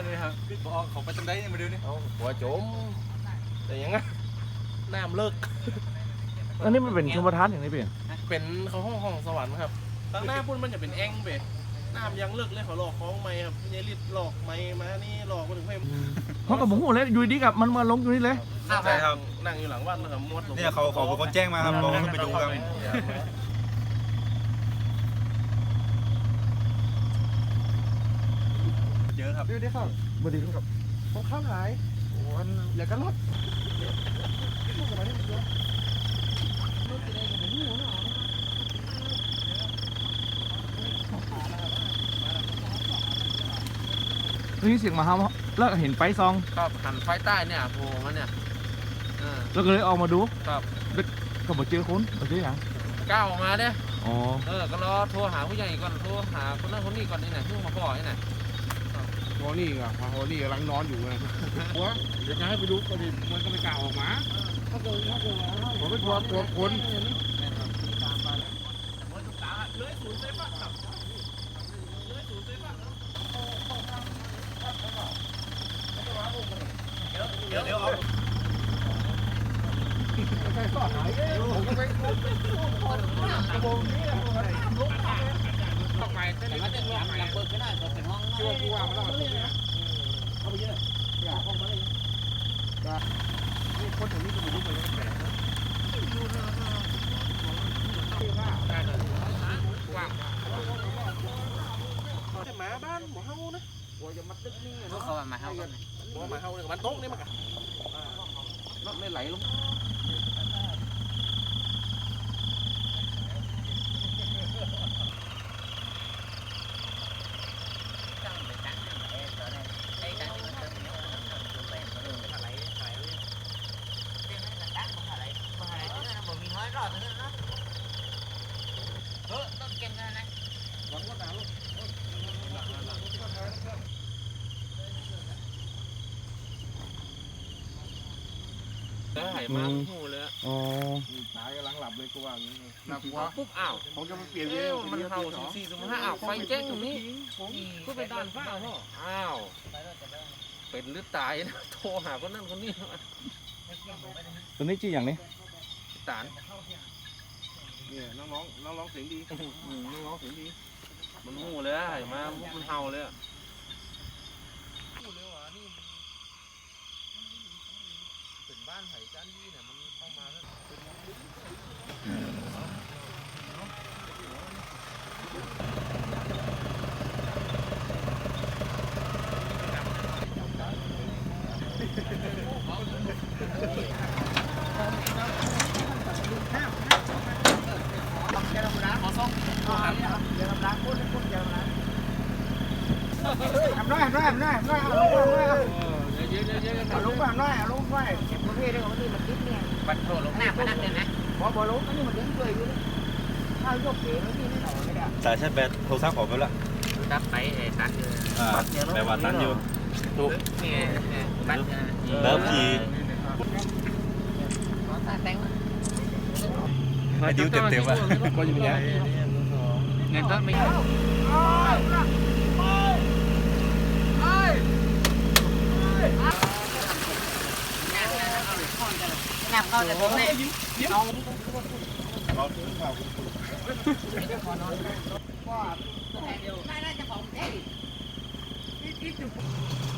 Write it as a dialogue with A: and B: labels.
A: เลยครับบอกเขาไปทำได้มาดูนี่หัวโจมแต่ยังไงน้ำเลิก
B: อันนี้มันเป็นชมประทานอย่างไรเปลี่ยน
A: เป็นเขาห้องสวรรค์ครับตั้งหน้าพุ่นมันจะเป็นแอ่งเบ็ดน้ำยังเลิกเลยเขาหลอกคล้องไม้ครับยายลิดหลอกไม้มานี่หลอกคนถึงเพิ่ม
B: เขากับหมูเลยอยู่ดีกับมันมาลงอยู่นี่เลย
A: ใช่ครับนั่งอยู่หลังวัดนะครับมด
C: เนี่ยเขาเป็นคนแจ้งมาครับบอกให้ไปดูกันเยอะครับ
B: ดูดิครับบดีครับผมข้ามหายโอ้ยอย่ากันรถนี่เสียงมาเฮาแล้วเห็นไฟซอง
A: ครับหันไฟใต้เนี่ยโผล่มาเนี่ย
B: แล้วก็เลยออกมาดู
A: ครับ
B: ก็บอกเจอคนบอกเจออย่าง
A: ก้าวออกมาเนี่ย
B: อ๋อ
A: ก็รอโทรหาผู้ใหญ่ก่อนโทรหาคนนั้นคนนี้ก่อนนี่ไหนเพิ่งมาบอกนี่ไหน
D: โอ้นี่อ่ะโอ้นี่กำลังนอนอยู่ไงหัวเดี๋ยวจะให้ไปดูก็ดีมันก็ไม่กล้าออกมาผมเป็นตัวคน
C: เดี๋ยวเอา
D: ใช่สอดหายผมก็ไปกระโปรงนี้ไปแต่ว่าจะลงไปเปิดก็ได้เปิดเป็นห้องช่วยผู้ว่ามาแล้วเข้าไปเยอะอยากเข้ามาเลยนี่คนถึงนี่จะมาดูไปแล้วแปลกนะว่างแต่หมาบ้านหมอเฮานะหัวจะมัดตึกนี่
A: เขามาเฮากัน
D: หัวหมาเฮาเนี่ยมันโต๊ะนี่มันกันรถไม่ไหลลง
A: หายมาหูเลย
B: อ๋อ
D: ตายกำลังหลับเลยกูว่าอย่างนี้
A: หลับปุ๊บอ้าว
D: เขาจะมาเปลี่ยนเยอะ
A: มันเห่า4-5อ้าวไฟแจ้งตรงนี้ก็ไปด้านฟ้าพ่ออ้าวเป็นหรือตายนะโทรหาคนนั้นคนนี้
B: ตัวนี้ชื่ออย่างนี้
A: ตาน
D: เนี่ยน้องเสียงดี
A: น้องเสียงดีมันหูเลยหายมามันเห่าเลยเป็นบ้านไผ่จานยี่เนี่ยมันเข้ามาแล้ว
D: ทำได้เอาลงไปเอาลงไปประเภทนี้ของนี่มันดิ้นเนี่ย
A: บัตรโทรลงหน้าพนักเนี่ยนะ
D: พอลงอันนี้มันดิ้นเลยอยู่ถ้ายกเก๋แล้วที่ไม่หน่อยไม่ได้
C: สายชาร์จแบตโทรศัพท์ออกไปแล้ว
A: ตัดไปตัดอยู่
C: แปลว่าตันอยู่
A: ถูกนี่ตัด
C: แล้วขี่ไอ้ดิ้วเต็มอ่ะ
A: ก็อยู่เนี่ยเงินก็ไม่
E: หนับเข้าแต่ผมเนี่ยเอาได้จะของเจ๊